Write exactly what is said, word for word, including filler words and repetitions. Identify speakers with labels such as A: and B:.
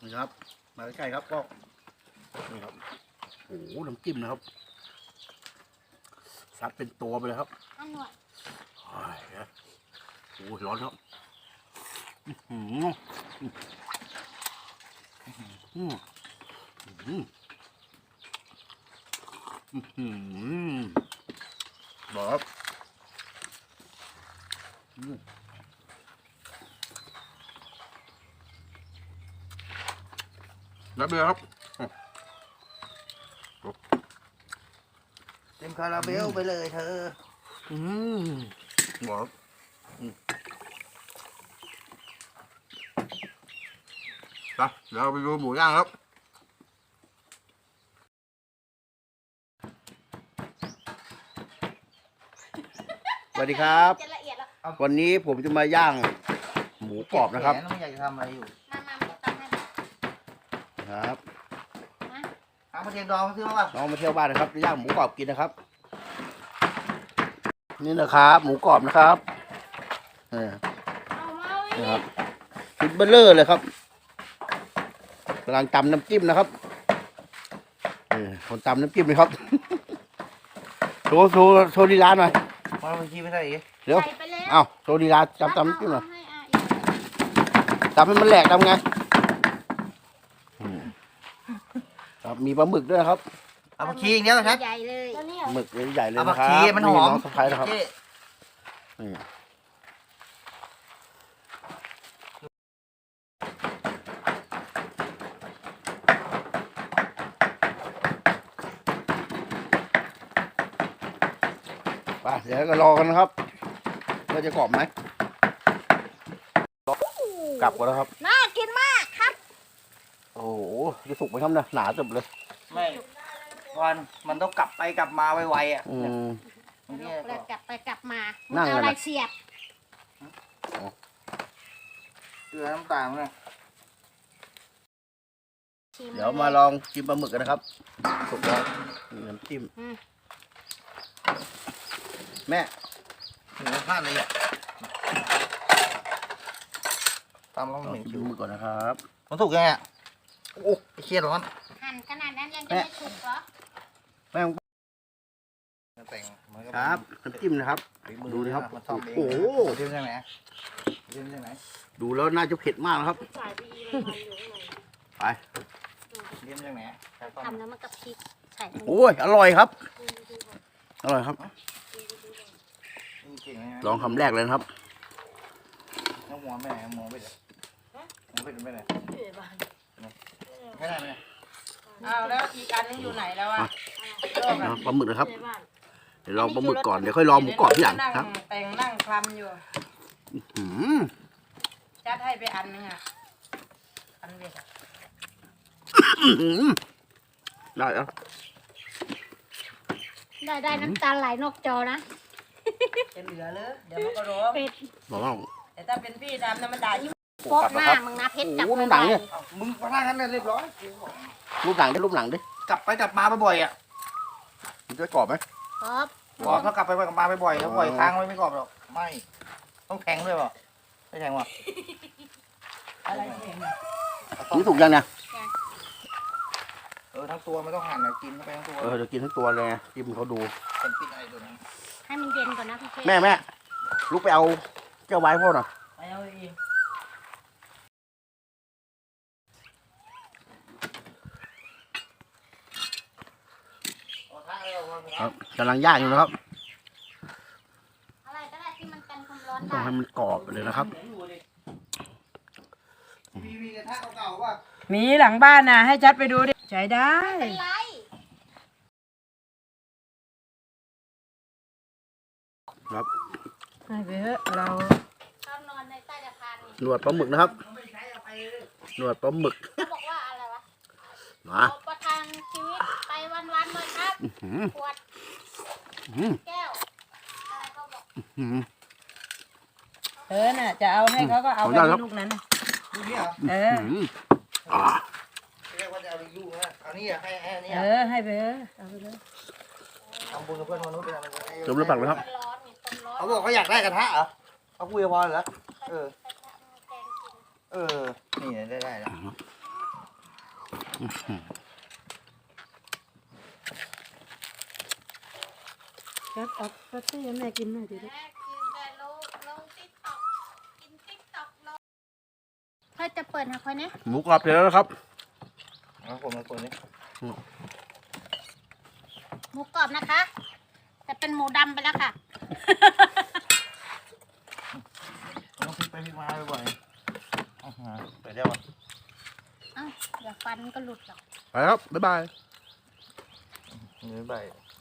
A: นี่ครับมาใกล้ๆครับก็นี่ครับโอ้โหน้ำจิ้มนะครับซัดเป็นตัวไปเลยครับอันหน่อยโอ้ยโอ้ร้อนครับอืมอืมอืมอืมบอกครับรับเลยครับ
B: เต็มคาราเบลไปเลยเธอ
A: อืมบอกครับไปเดี๋ยวเราไปดูหมูย่างครับสวัสดีครับวันนี้ผมจะมาย่างหมูกรอบนะครับ
B: ไม่อยากจะทำอะไรอยู่
C: มามามาตำให้
A: ครับ
B: เอามาเทียมดองซื้อมาป่ะ
A: น้องมาเที่ยวบ้านนะครับจะย่างหมูกรอบกินนะครับนี่นะครับหมูกรอบนะครับนี่ครับชุดเบลเลอร์เลยครับกำลังตำน้ำจิ้มนะครับคนตำน้ำจิ้มเลยครับโชว์โชว์โชว์ดีลาหน่อย
B: มาบัญชีไม่ได้อีก
A: เดี๋ยวเอ้าโชว์ดีลาจำตำน้ำจิ้มหน่อยตำให้มันแหลกทำไงครับมีปลาหมึกด้วยครับ
B: เอาผักชีอย่างเงี้ยนะครับ
C: ใหญ่เลย
A: หมึกใหญ่เลยนะครับ
B: เอาผักชีมันหอม
A: น้องสะพ้ายนะครับนี่ไปเดี๋ยวก็รอกันนะครับว่าจะกรอบไหมกลับก่อนแล้วครับ
C: น่ากินมากครับ
A: โอ้โหจะสุกไหมครับเนี่ยหนาจับเลย
B: ไม่วันมันต้องกลับไปกลับมาไวๆอ่ะ
A: อืม
C: แล้วกลับไปกลับมาเอาอะไรเสียบ
B: เกลือน้ำตาลเนี่ย
A: เดี๋ยวมาลองกินปลาหมึกกันนะครับสุกแล้วน้ำจิ้มแม่
B: เนื้อพลาดเลยอ่ะตามลองหนึ่ง
A: ดูมือก่อนนะครับ
B: มันถูกยังไงโอ้เครียดร้อน
C: หั่นขนาดนั้นยังจะไม่ถูกเหรอ
A: แม่
B: แต่ง
A: ครับน้ำจิ้มนะครับดูนะครับโอ้โห
B: เรื่องไหนเรื่องไหน
A: ดูแล้วน่าจะเผ็ดมากนะครับไป
B: เรื่องไหน
C: ทำแล้วมันกับพริกใส่
A: โอ้ยอร่อยครับอร่อยครับลองคำแรกเลยครับ
B: น้องมองไปไหนมองไปไหนมองไปไหนไม่ได้ไหม
D: เอาแล้วอีกอันนึงอยู่ไหนแล้วอ่ะ
A: ปลาหมึกนะครับเดี๋ยวลองปลาหมึกก่อนเดี๋ยวค่อยลองหมูกรอบที่หลังครับ
D: แต่งนั่งคลำอยู่จัดให้ไปอันนึงอ่ะอันเดียว
A: ได้แล้ว
C: ได้ได้น้ำตาไหลนอกจอนะ
D: จะเหลือเลยเดี๋ยวมันก็ร้อง
A: บอกว่า
D: แต่ถ้าเป็นพี่ดำน้ำมันด่ายิ่ง
C: โป๊ะหน้ามึงนะเพชรจับ
A: รูปหนังเนี่ย
B: มึงมาท่านั้นเรียบร้อย
A: รูปหนังได้รูปหนังดิ
B: กลับไปกลับมาบ่อยอ่ะ
A: มันจะกรอบไหม
C: กรอบ
B: กรอบถ้ากลับไปกลับมาบ่อยแล้วบ่อยค้างไว้ไม่กรอบหรอกไม่ต้องแข็งด้วยป่ะไม่แข็งป่ะ
D: อะไรแข็ง
A: นี่ถูกยังเนี่ย
B: เออทั้งตัวไม่ต้องหั่นเลยกินเข้าไปทั้งตัว
A: เออเดี๋ยวกินทั้งตัวเลยจิ้มเขาดู
B: เป็นปิดอะไรตัวนี้
C: ให้มันเย็นก่อนนะพี่
A: แม่แม่ลุกไปเอาเจ้าไว้พ่อหน่อย
D: ไปเอาเอง
A: ครับกำลังย่างอยู่นะครับ
C: อะไรก็ได้ที่มันกันความร้อน
A: ต้องให้มันกรอบเลยนะครับ
D: มีหลังบ้านนะให้จัดไปดูดิใช้ได้
A: ครับ
D: ให้ไปเถอะเรา
C: นอนในใต้สะพาน
A: หนวดปลาหมึกนะครับหนวดปลาหมึก
C: เขาบอกว่าอะไรวะ
A: มา
C: ประทังชีวิตไปวันๆเลยครับขวดแก้วอะไรเขาบอก
D: เออน่ะจะเอาให้เขาก็เอาไปลูกนั้น
B: ลูกนี้เหรอ
D: เออ
B: เรียกว่าจะเอาลูกนะเอานี่อ่ะให้ให้นี่
D: เออให้ไปเออเอาไปเลย
B: ทำบุญกับเพื่อนมนุษย์เป็นอะไร
A: จมแล้วปักเลยครับ
B: เขาบอกเขาอยากได้กระทะเหรอเขาคุยกับพอเหรอเออเออนี่ได้ได้แล้ว
E: ครับเอาปาร์ตี้ให้แม่กินหน่อยดิลูก
C: แม่กินแต่ลงลงติ๊กต็อกกินติ๊กต็อกลงเธอจะเปิดให้คนนี้
A: หมูกรอบเสร็จแล้วนะครับ
B: เอาคนมาคนนี้
C: หมูกรอบนะคะ แต่เป็นหมูดำไปแล้วค่ะ
B: ต้องพลิกไปพลิกมาบ่อยๆอื้อหือไปได้ปะ
C: เอ้าอย่าฟันก็หลุดหรอก
A: ไปครับ บ๊ายบาย
B: มือใบ